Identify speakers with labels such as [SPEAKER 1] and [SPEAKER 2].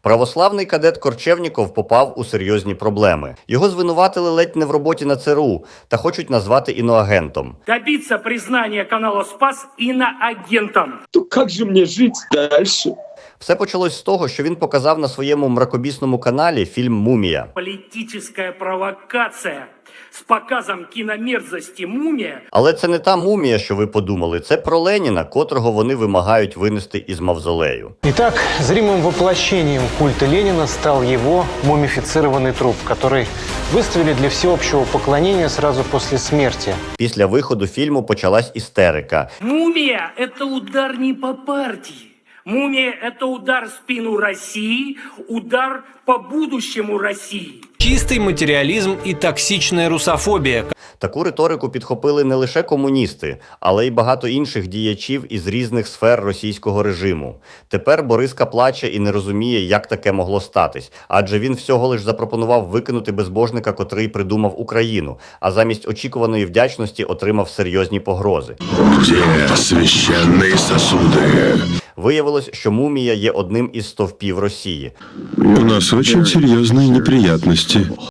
[SPEAKER 1] Православний кадет Корчевніков попав у серйозні проблеми. Його звинуватили ледь не в роботі на ЦРУ та хочуть назвати іноагентом.
[SPEAKER 2] Добиться признания канала «Спас» иноагентом.
[SPEAKER 3] То как же мне жить дальше?
[SPEAKER 1] Все почалось з того, що він показав на своєму мракобісному каналі фільм «Мумія».
[SPEAKER 2] Политическая провокация с показом киномерзости «Мумия».
[SPEAKER 1] Але це не та мумія, що ви подумали. Це про Леніна, котрого вони вимагають винести із мавзолею.
[SPEAKER 4] Итак, зримым воплощением культа Ленина стал его мумифицированный труп, который выставили для всеобщего поклонения сразу после смерти.
[SPEAKER 1] Після виходу фільму почалась істерика.
[SPEAKER 2] «Мумия» — это удар не по партии. «Мумия» — это удар в спину России, удар по будущему России.
[SPEAKER 5] Чистый материализм и токсичная русофобия.
[SPEAKER 1] Таку риторику підхопили не лише комуністи, але й багато інших діячів із різних сфер російського режиму. Тепер Бориска плаче і не розуміє, як таке могло статись, адже він всього лиш запропонував викинути безбожника, котрий придумав Україну, а замість очікуваної вдячності отримав серйозні погрози.
[SPEAKER 6] Где священные сосуды?
[SPEAKER 1] Виявилось, що мумія є одним із стовпів Росії.
[SPEAKER 6] У нас очень серьезные неприятности.